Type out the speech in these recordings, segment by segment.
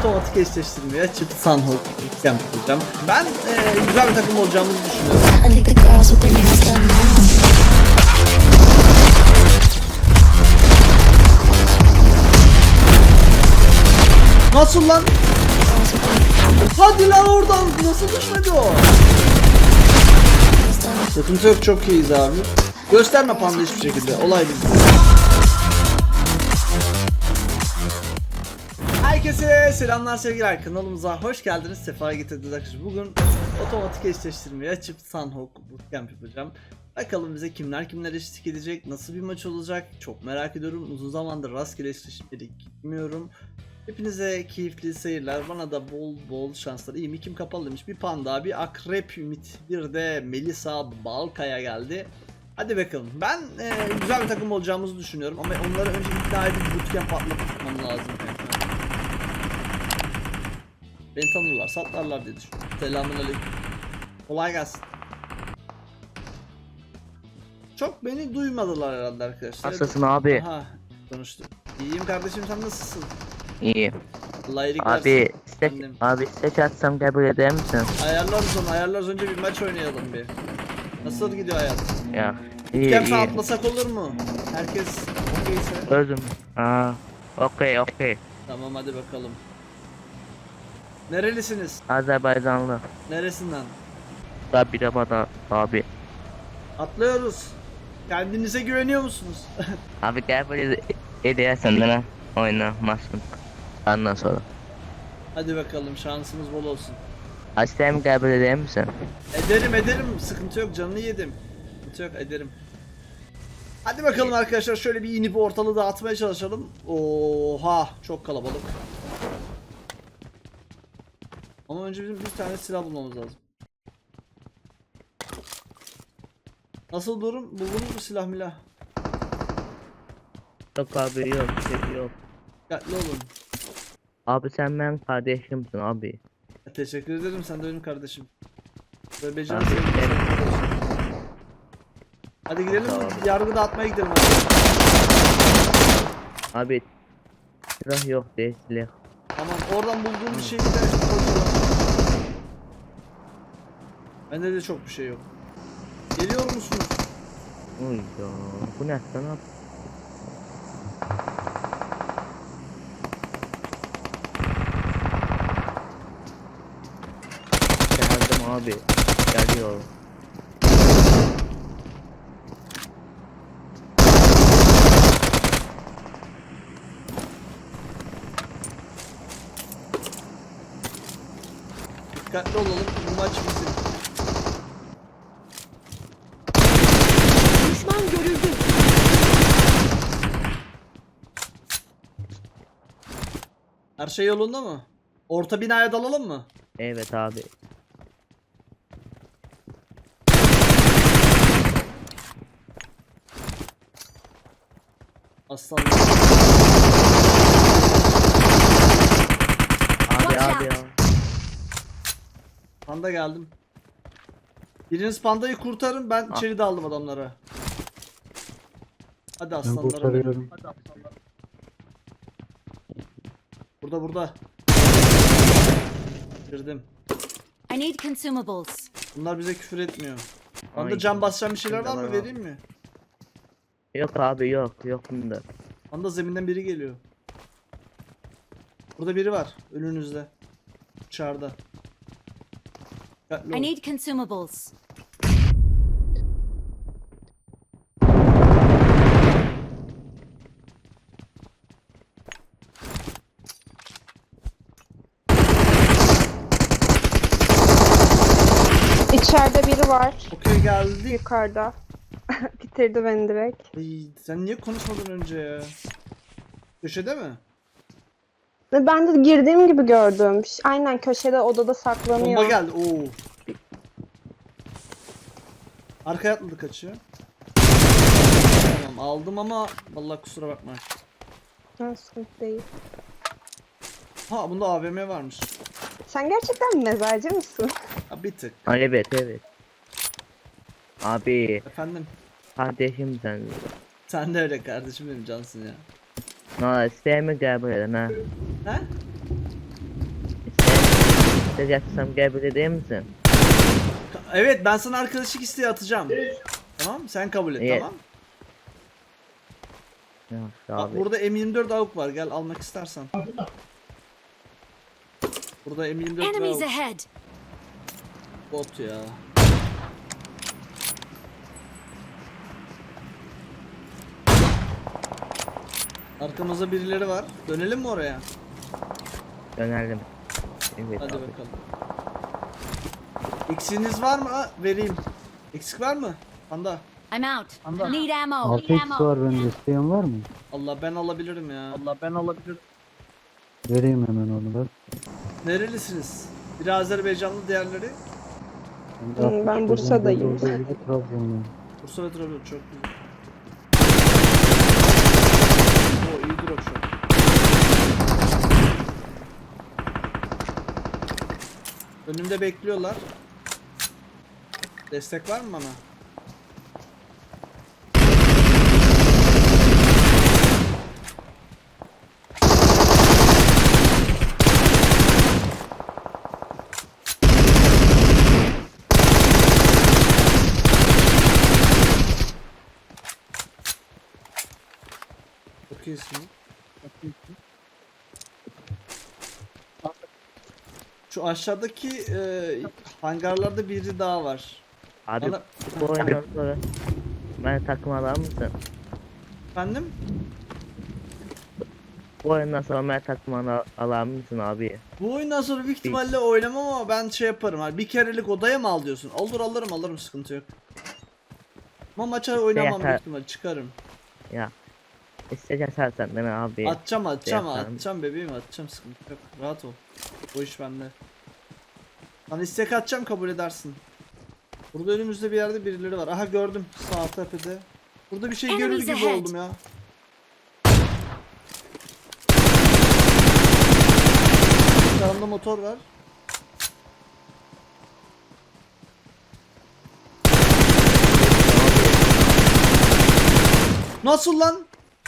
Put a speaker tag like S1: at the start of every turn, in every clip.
S1: otomatik eşleştirmeye açıp Sanhok Camp yapacağım. Ben güzel bir takım olacağımızı düşünüyorum.
S2: I think the girls with their nails done now.
S1: Nasıl lan? Hadi lan oradan nasıl düşmedi o? Sıkıntı yok, çok iyiyiz abi. Gösterme panda hiçbir şekilde, olay bizde. Herkese selamlar sevgiler, kanalımıza hoş geldiniz, sefa getirdiniz arkadaşlar. Bugün otomatik eşleştirmeyi açıp Sanhok Bootcamp yapacağım. Bakalım bize kimler eşlik edecek, nasıl bir maç olacak çok merak ediyorum. Uzun zamandır rastgele eşleşmeleri gitmiyorum. Hepinize keyifli seyirler, bana da bol şanslar. İyi mi? Kim kapalı demiş. Bir panda, bir akrep ümit, bir de Melisa Balkaya geldi. Hadi bakalım. Ben güzel bir takım olacağımızı düşünüyorum ama onları önce ikna edip bootcamp atlatmam lazım. Beni tanırlar, satlarlar diye düşünüyorum. Selamünaleyküm. Kolay gelsin. Çok beni duymadılar herhalde arkadaşlar.
S3: Nasılsın abi?
S1: Aha, konuştuk. İyiyim kardeşim, sen nasılsın?
S3: İyi.
S1: Allah iyilik
S3: Abi
S1: versin.
S3: abi seç atsam kabul eder misin?
S1: Ayarlarız önce bir maç oynayalım bir. Nasıl gidiyor hayat?
S3: Ya iyi
S1: Bootcamp'e
S3: iyi.
S1: atlasak olur mu? Herkes okeyse.
S3: Özüm. Okey.
S1: Tamam hadi bakalım. Nerelisiniz?
S3: Azerbaycanlı.
S1: Neresinden?
S3: Tabi de bana abi.
S1: Atlıyoruz. Kendinize güveniyor musunuz?
S3: Abi kabul edersen de oynamazsın. Ondan sonra.
S1: Hadi bakalım, şansımız bol olsun.
S3: Aslen kabul eder misin?
S1: Ederim, sıkıntı yok, canını yedim. Sıkıntı yok, ederim. Hadi bakalım arkadaşlar, şöyle bir inip ortalığı dağıtmaya çalışalım. Oha, çok kalabalık. Ama önce bizim bir tane silah bulmamız lazım. Nasıl durum? Buldunuz mu silah milah?
S3: Yok abi yok yok.
S1: Dikkatli olun.
S3: Abi sen benim kardeşimsin abi.
S1: Teşekkür ederim, sen de benim kardeşim. Böyle beceri
S3: Abi,
S1: sevdim. Hadi gidelim,
S3: Tamam.
S1: yargı dağıtmaya gidelim hadi.
S3: Abi silah yok değil silah.
S1: Tamam, oradan bulduğum bir şeyi de koyalım. Bende de çok bir şey yok. Geliyor musunuz?
S3: Uy ya bu ne sana? Geldim abi. Geliyorum.
S1: Dikkatli olalım, bu maç bizim.
S2: Düşman görüldü.
S1: Her şey yolunda mı? Orta binaya dalalım mı?
S3: Evet abi.
S1: Aslanlar.
S3: Abi ya.
S1: Panda geldim. Biriniz pandayı kurtarın, ben
S3: Ah.
S1: içeri daldım adamlara. Hadi
S4: Ben
S1: aslanlarım.
S4: kurtarıyorum.
S1: Hadi aslanlar. Burada. Girdim.
S2: I need consumables.
S1: Bunlar bize küfür etmiyor. Panda
S3: Ay.
S1: can basacağım bir şeyler var mı,
S3: Tamam.
S1: vereyim mi?
S3: Yok abi yok bunda.
S1: Panda zeminden biri geliyor. Burada biri var önünüzde. Dışarıda. Dikkatli
S2: I
S1: olun.
S2: need consumables.
S5: İçeride biri var.
S1: Okey, geldik.
S5: Yukarıda. Bitirdi beni direkt.
S1: Ay, sen niye konuşmadın önce ya? Köşede mi?
S5: Ve ben de girdiğim gibi gördüm. Aynen köşede odada saklanıyor.
S1: Bomba geldi. Oo. Arkaya atladı, kaçıyor. Tamam, aldım ama vallahi kusura bakma.
S5: Ha, sıkıntı değil.
S1: Ha, bunda AVM varmış.
S5: Sen gerçekten mezarcı mısın?
S1: Ha, bir tık.
S3: Evet. Abi
S1: Efendim.
S3: kardeşim sen.
S1: Sen de öyle kardeşim, benim cansın ya.
S3: No, sevme kabul eden ha.
S1: He?
S3: İsteyeceksem gel böyle değil misin?
S1: Evet, ben sana arkadaşlık isteği atacağım. Tamam, sen kabul et,
S3: Evet.
S1: tamam.
S3: Ya
S1: Bak
S3: abi.
S1: burada M24 AWP var, gel almak istersen. Burada M24
S2: Enemies
S1: AWP
S2: ahead.
S1: bot ya. Arkamızda birileri var. Dönelim mi oraya?
S3: Dönelim. Evet
S1: Hadi
S3: abi.
S1: bakalım. Eksiğiniz var mı? Ha, vereyim. Eksik var mı? Panda.
S2: I'm out.
S1: Anda.
S2: Need ammo.
S4: 6x var bende, isteyen var mı?
S1: Allah, ben alabilirim ya. Allah, ben alabilirim.
S4: Vereyim hemen onu da.
S1: Nerelisiniz? Biri Azerbaycanlı, diğerleri
S5: Ben Bursa'dayım.
S4: Olduğu gibi Trabzonluyum.
S1: Bursa ve Trabzon. Çok güzel. Oo, iyi drop shot. Önümde bekliyorlar. Destek var mı bana? Çok iyisin. Şu aşağıdaki hangarlarda biri daha var.
S3: Abi
S1: Bana-
S3: bu oyundan sonra bana takım alır mısın?
S1: Efendim?
S3: Bu oyundan sonra bana takım alır mısın abi?
S1: Bu oyundan sonra büyük ihtimalle oynamam ama ben şey yaparım. Hani bir kerelik odaya mı al diyorsun? Olur, alırım, sıkıntı yok. Ama maça oynamam
S3: Yeter.
S1: büyük ihtimalle, çıkarım.
S3: Ya. İsteyeceksen sen beni abi.
S1: Atacağım bebeğim, atacağım, sıkıntı yok. Rahat ol. O iş bende. Hani istek atacağım, kabul edersin. Burada önümüzde bir yerde birileri var. Aha, gördüm sağ tepede. Burada bir şey görür
S2: Enemies
S1: gibi
S2: ahead.
S1: oldum ya. Sağımda motor var. Nasıl lan?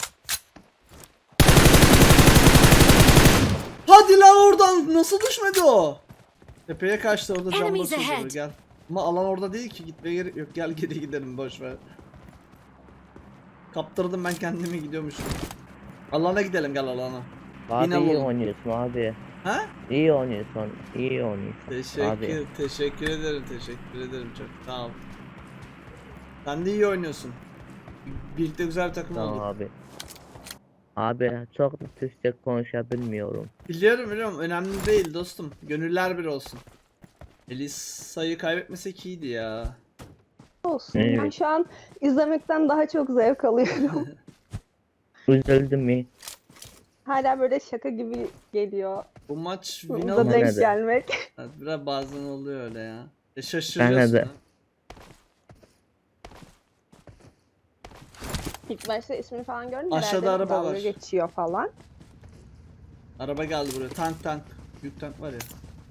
S1: Hadi lan, oradan nasıl düşmedi o? Tepeye kaçtı, orada cam
S2: Enemies
S1: basıyor,
S2: ahead.
S1: gel. Ama alan orada değil ki, gitmeye gerek yok. Gel geri gidelim, boş ver. Kaptırdım ben kendimi, gidiyormuşum. Alana gidelim, gel alana.
S3: Abi
S1: Yine
S3: iyi
S1: buldum.
S3: oynuyorsun abi.
S1: Ha?
S3: İyi oynuyorsun. İyi oynuyorsun. Abi.
S1: Teşekkür ederim çok. Sağ ol. Sen de iyi oynuyorsun. Birlikte güzel bir takım
S3: Tamam
S1: olduk.
S3: abi. Abi çok da Türkçe konuşabilmiyorum.
S1: Biliyorum, önemli değil dostum. Gönüller bir olsun. Elisa'yı kaybetmesek iyiydi ya.
S5: Olsun. Ben
S3: Evet.
S5: şu an izlemekten daha çok zevk alıyorum.
S3: Üzüldüm mü?
S5: Hala böyle şaka gibi geliyor.
S1: Bu maç win
S5: Burada
S1: almak
S5: denk
S3: Nerede?
S5: gelmek.
S1: evet, biraz bazen oluyor öyle ya. Şaşırıyorsun.
S3: Ben de.
S1: ha.
S5: İlk başta ismini falan görünce
S1: Aşağıda
S5: herhalde
S1: araba
S5: dalga
S1: var.
S5: geçiyor falan.
S1: Araba geldi buraya. Tank. Büyük tank var ya.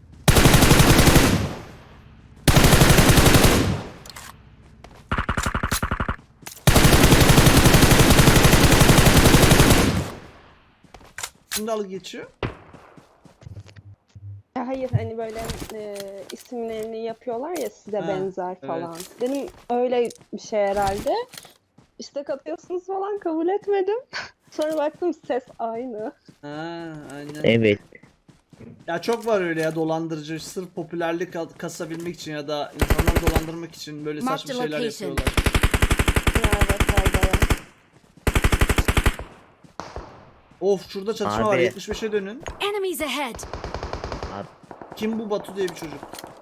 S1: Kim dalga geçiyor?
S5: Ya hayır, hani böyle isimlerini yapıyorlar ya size
S1: Ha,
S5: benzer
S1: evet.
S5: falan. Dedim öyle bir şey herhalde. İstek atıyorsunuz falan, kabul etmedim. Sonra baktım ses aynı.
S1: Ha, aynen.
S3: Evet.
S1: Ya çok var öyle ya, dolandırıcı, sırf popülerlik kasabilmek için ya da insanları dolandırmak için böyle
S2: Mark
S1: saçma
S2: the
S1: şeyler
S2: location.
S1: yapıyorlar.
S5: Evet, orada.
S1: Of, şurada çatışma var,
S3: Abi.
S1: 75'e dönün.
S2: Enemies ahead.
S3: Abi.
S1: Kim bu? Batu diye bir çocuk.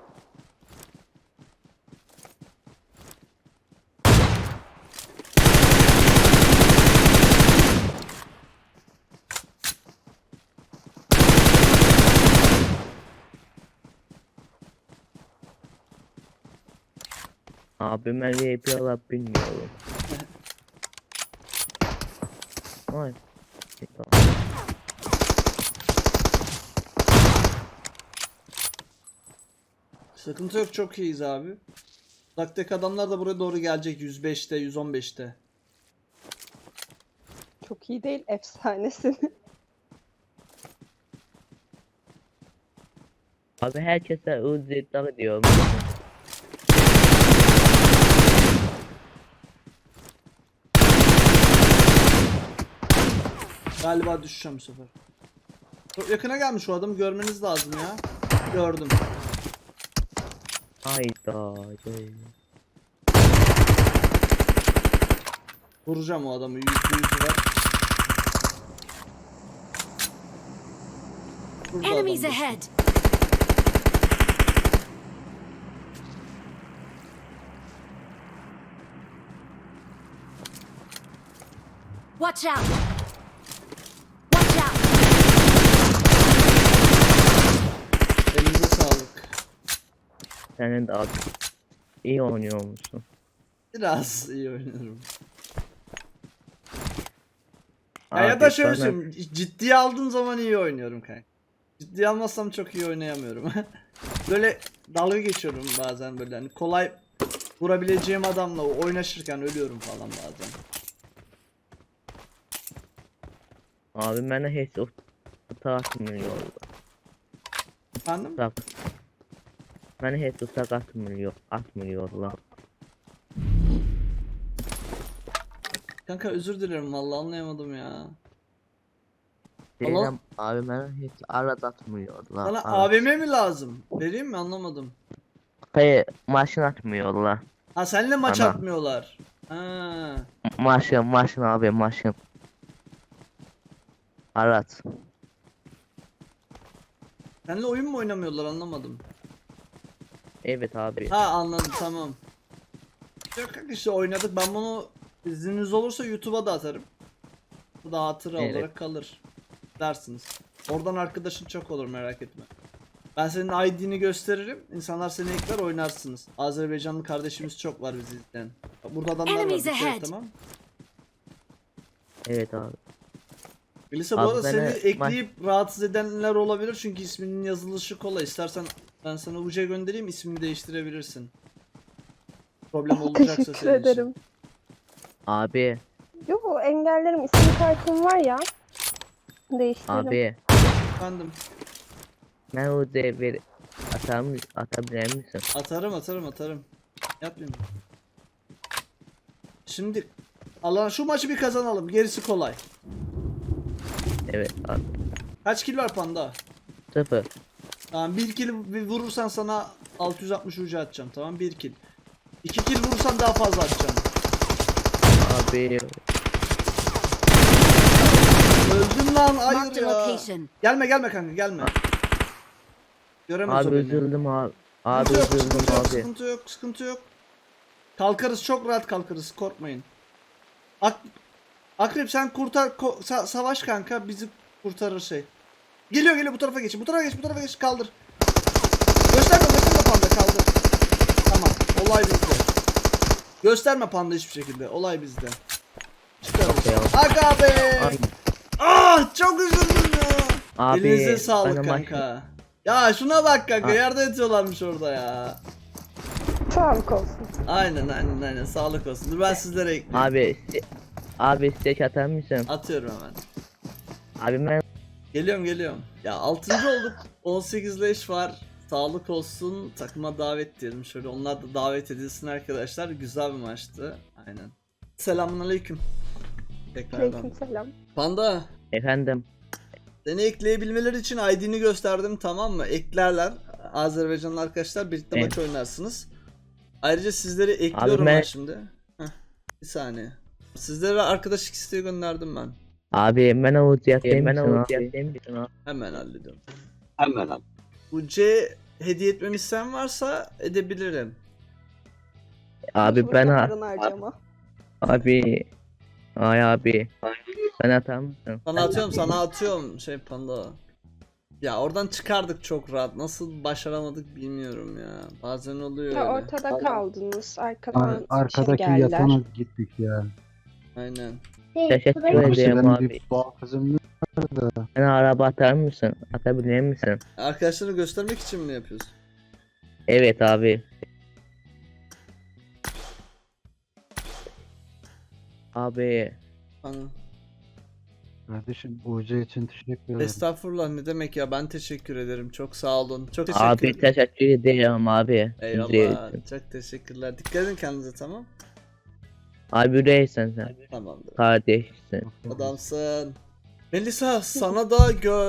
S3: Abi ben yapıyorlar bilmiyorum. Ay.
S1: Sıkıntı yok, çok iyiyiz abi. Uzaktaki adamlar da buraya doğru gelecek 105'te 115'te.
S5: Çok iyi değil, efsanesin.
S3: Abi herkese uzaklar diyorum.
S1: Galiba düşeceğim bu sefer. Çok yakına gelmiş o adamı, görmeniz lazım ya. Gördüm.
S3: Hayda.
S1: Vuracağım o adamı, %100 var. Burada adam
S2: Enemies
S1: düştü.
S2: ahead! Watch out! Watch out!
S1: Elinize sağlık.
S3: Senin de abi iyi oynuyor musun?
S1: Biraz iyi oynuyorum. Ya,
S3: Abi
S1: ya da şöyle
S3: bana-
S1: söyleyeyim, ciddiye aldığım zaman iyi oynuyorum kanka. Ciddiye almazsam çok iyi oynayamıyorum. Böyle dalga geçiyorum bazen, böyle hani kolay vurabileceğim adamla oynaşırken ölüyorum falan bazen.
S3: Abi bana hiç atmıyor.
S1: Efendim?
S3: Bak. Bana hiç uçak atmıyorlar.
S1: Kanka özür dilerim, vallahi anlayamadım ya.
S3: Deyirəm abi bana hiç arad atmıyorlar.
S1: Sana
S3: arad.
S1: AVM mi lazım? Vereyim mi, anlamadım.
S3: Hayır maşın atmıyorlar.
S1: Ha, seninle maç
S3: Ana.
S1: atmıyorlar. Ha.
S3: Maşın abi maşın. Arad.
S1: Seninle oyun mu oynamıyorlar, anlamadım.
S3: Evet abi.
S1: Ha, anladım, tamam. Yok kanka, işte oynadık, ben bunu izniniz olursa YouTube'a da atarım. Bu da hatıra
S3: Evet.
S1: olarak kalır. Dersiniz. Oradan arkadaşın çok olur, merak etme. Ben senin ID'ni gösteririm. İnsanlar seni ekler, oynarsınız. Azerbaycanlı kardeşimiz çok var bizi izleyen. Burada adamlar var.
S2: Enemies
S1: dikkat et,
S2: ahead.
S1: tamam.
S3: Evet abi.
S1: Melisa, bu
S3: Abi
S1: arada
S3: bana-
S1: seni ekleyip rahatsız edenler olabilir çünkü isminin yazılışı kolay. İstersen ben sana UC göndereyim, ismini değiştirebilirsin. Problem olacaksa
S5: Teşekkür
S1: senin için.
S5: ederim.
S3: Abi.
S5: Yok, engellerim, isim kartım var ya. Değiştiririm.
S3: Abi.
S1: Efendim,
S3: Ben o devir atabilir misin?
S1: atarım. Yapayım. Şimdi Allah, şu maçı bir kazanalım, gerisi kolay.
S3: Evet abi.
S1: Kaç kill var Panda?
S3: 0.
S1: Tamam, bir kill vurursan sana 660 ucu atacağım, tamam, bir kill. 2 kill vurursan daha fazla atacağım.
S3: Abi.
S1: Öldüm lan, hayır
S2: Marked a
S1: ya.
S2: location.
S1: Gelme kanka, gelme. Göremez o
S3: Abi
S1: beni.
S3: üzüldüm abi. Abi
S1: Sıkıntı yok,
S3: üzüldüm
S1: sıkıntı yok,
S3: abi.
S1: sıkıntı yok. Kalkarız, çok rahat kalkarız, korkmayın. Akrep sen kurtar, savaş kanka, bizi kurtarır şey. Geliyor, bu tarafa geç, kaldır. Gösterme Panda, kaldır. Tamam, olay bizde. Gösterme Panda hiçbir şekilde, olay bizde. Çıkarız.
S3: Ya.
S1: Aga be!
S3: Ay.
S1: Ah, çok üzüldüm ya.
S3: Abi.
S1: Elinize sağlık
S3: bana maç-
S1: kanka. Ya şuna bak kanka,
S3: Ah.
S1: yerde yatıyorlarmış orada ya.
S5: Sağlık olsun.
S1: Aynen, sağlık olsun. Dur ben sizlere ekleyeyim.
S3: Abi steak atar mısın?
S1: Atıyorum hemen.
S3: Abi ben
S1: Geliyorum. Ya 6. olduk. 18 leş var. Sağlık olsun. Takıma davet diyelim. Şöyle onlar da davet edilsin arkadaşlar. Güzel bir maçtı. Aynen. Selamünaleyküm. Tekrardan.
S5: Aleykümselam.
S1: Panda,
S3: efendim.
S1: seni ekleyebilmeleri için ID'ni gösterdim, tamam mı? Eklerler. Azerbaycanlı arkadaşlar, birlikte
S3: Evet.
S1: maç oynarsınız. Ayrıca sizleri ekliyorum
S3: ben-
S1: ben şimdi. Heh, bir saniye. Sizlere arkadaşlık isteği gönderdim ben.
S3: Abi ben olacak değil misin abi?
S1: Hemen hallediyorum. Bu C hediye etmemi isteyen varsa edebilirim.
S3: Abi
S5: Boşu
S3: ben
S5: boşuna paranı harcama.
S3: abi. Ay abi. Sen atar mısın?
S1: Sana atıyorum şey Panda. Ya oradan çıkardık çok rahat. Nasıl başaramadık bilmiyorum ya. Bazen oluyor
S5: Ya
S1: öyle.
S5: ortada kaldınız. Arkadan
S4: Arkadaki
S5: geldiler.
S4: yatana gittik ya.
S1: Aynen.
S3: Teşekkür
S4: Abi
S3: ederim
S4: benim
S3: abi.
S4: bir boğazım var da.
S3: Bana araba atar mısın? Atabilir misin?
S1: Arkadaşları göstermek için mi yapıyorsun?
S3: Evet abi. Abi.
S1: Hani
S4: Kardeşim UC için teşekkür ederim.
S1: Estağfurullah, ne demek ya, ben teşekkür ederim. Çok sağ olun. Çok teşekkür
S3: Abi
S1: ederim.
S3: teşekkür ederim abi.
S1: Eyvallah. Çok teşekkürler. Dikkat edin kendinize, tamam.
S3: Abi değilsen sen.
S1: Tamamdır.
S3: Kardeşsin.
S1: Adamsın. Melisa, sana da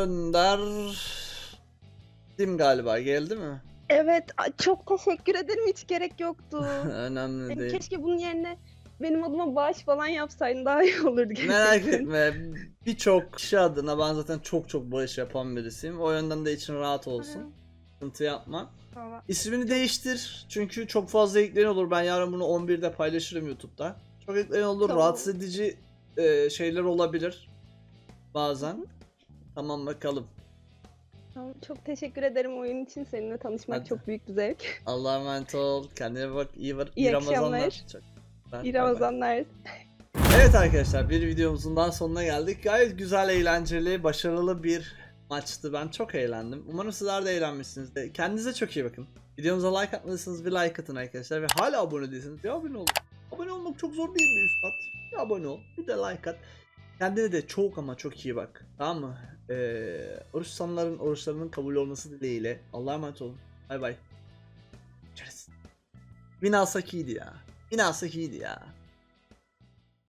S1: gönderdim galiba, geldi mi?
S5: Evet, çok teşekkür ederim. Hiç gerek yoktu.
S1: Önemli
S5: Yani
S1: değil.
S5: keşke bunun yerine benim adıma bağış falan yapsaydın daha iyi olurdu
S1: Merak
S5: gerçekten.
S1: etme. Birçok kişi adına ben zaten çok bağış yapan birisiyim. O yönden de için rahat olsun. Sıkıntı yapma.
S5: Tamam.
S1: İsmini değiştir. Çünkü çok fazla ekleyen olur. Ben yarın bunu 11'de paylaşırım YouTube'da. Çok ekleyen olur.
S5: Tamam.
S1: Rahatsız edici şeyler olabilir. Bazen. Tamam, bakalım.
S5: Tamam, çok teşekkür ederim oyun için. Seninle tanışmak
S1: Hadi.
S5: çok büyük bir zevk.
S1: Allah'a emanet ol. Kendine bak. İyi
S5: İyi
S1: Ramazanlar.
S5: akşamlar.
S1: Çok. Bay
S5: İyi
S1: bay.
S5: Ramazanlar.
S1: Evet arkadaşlar, bir videomuzun daha sonuna geldik. Gayet güzel, eğlenceli, başarılı bir maçtı. Ben çok eğlendim. Umarım sizler de eğlenmişsinizdir. Kendinize çok iyi bakın. Videomuza like atmadıysanız bir like atın arkadaşlar. Ve hala abone değilseniz bir abone olun. Abone olmak çok zor değil mi üstad? Bir abone ol, bir de like at. Kendine de çok ama çok iyi bak. Tamam mı? Oruç tutanların oruçlarının kabul olması dileğiyle. Allah'a emanet olun. Bay bay. Görüşürüz. Win alsak iyiydi ya. Win alsak iyiydi ya.